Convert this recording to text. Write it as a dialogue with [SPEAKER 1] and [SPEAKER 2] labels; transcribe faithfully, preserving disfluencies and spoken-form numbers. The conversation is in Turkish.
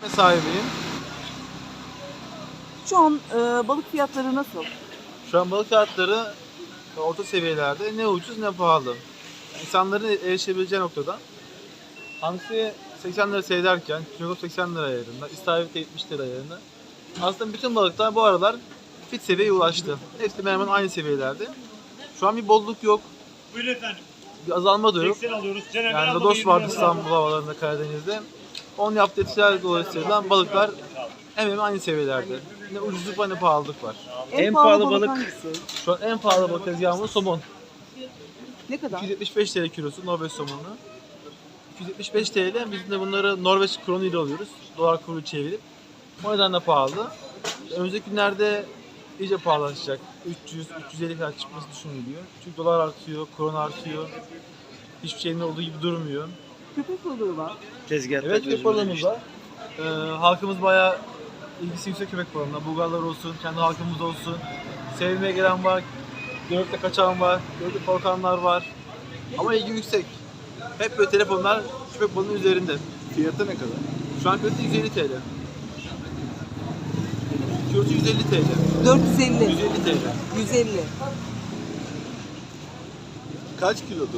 [SPEAKER 1] sahibiyim.
[SPEAKER 2] Şu an e, balık fiyatları nasıl?
[SPEAKER 1] Şu an balık fiyatları orta seviyelerde. Ne ucuz ne pahalı. İnsanların erişebileceği noktada. Hamsi seksen lira seyrederken, çinekop seksen lira ayarında, istavrit yetmiş lira ayarında. Aslında bütün balıklar bu aralar fit seviyeye ulaştı. Hepsi hemen hemen aynı seviyelerde. Şu an bir bolluk yok.
[SPEAKER 3] Buyurun efendim.
[SPEAKER 1] Bir azalma da yok.
[SPEAKER 3] seksen alıyoruz. Cenever
[SPEAKER 1] Yani
[SPEAKER 3] abla
[SPEAKER 1] Lodos
[SPEAKER 3] yirmi
[SPEAKER 1] vardı
[SPEAKER 3] lira.
[SPEAKER 1] İstanbul havalarında, Karadeniz'de. Onun yaptığı etkiler dolayısıyla balıklar hemen hemen aynı seviyelerde. Ne ucuzluk var ne pahalılık var.
[SPEAKER 2] En,
[SPEAKER 4] En
[SPEAKER 2] pahalı,
[SPEAKER 4] pahalı
[SPEAKER 2] balık,
[SPEAKER 4] balık.
[SPEAKER 2] hangisi?
[SPEAKER 1] Şu an en pahalı balık tezgahımız somon.
[SPEAKER 2] Ne kadar?
[SPEAKER 1] iki yüz yetmiş beş lira kilosu Norveç somonu. iki yüz yetmiş beş TL. Biz de bunları Norveç kronu ile alıyoruz. Dolar kuru çevirip. O nedenle pahalı. Önümüzdeki günlerde iyice pahalaşacak. üç yüz üç yüz elli kadar çıkması düşünülüyor. Çünkü dolar artıyor, kron artıyor. Hiçbir şeyin olduğu gibi durmuyor.
[SPEAKER 2] Köpek balığı var.
[SPEAKER 4] Tezgahta
[SPEAKER 1] Evet, köpek
[SPEAKER 4] gözümüzde
[SPEAKER 1] balığımız
[SPEAKER 4] işte.
[SPEAKER 1] var. Ee, halkımız bayağı ilgisi yüksek köpek balığına. Bulgarlar olsun, kendi halkımız olsun. Sevmeye gelen var, görüp kaçan var, görüp korkanlar var. Ama ilgi yüksek. Hep böyle telefonlar köpek balığının üzerinde.
[SPEAKER 4] Fiyatı ne kadar?
[SPEAKER 1] Şu an fiyatı yüz elli TL. Kilosu yüz elli TL.
[SPEAKER 2] dört yüz elli.
[SPEAKER 1] yüz elli TL.
[SPEAKER 2] yüz elli.
[SPEAKER 4] Kaç kilodur?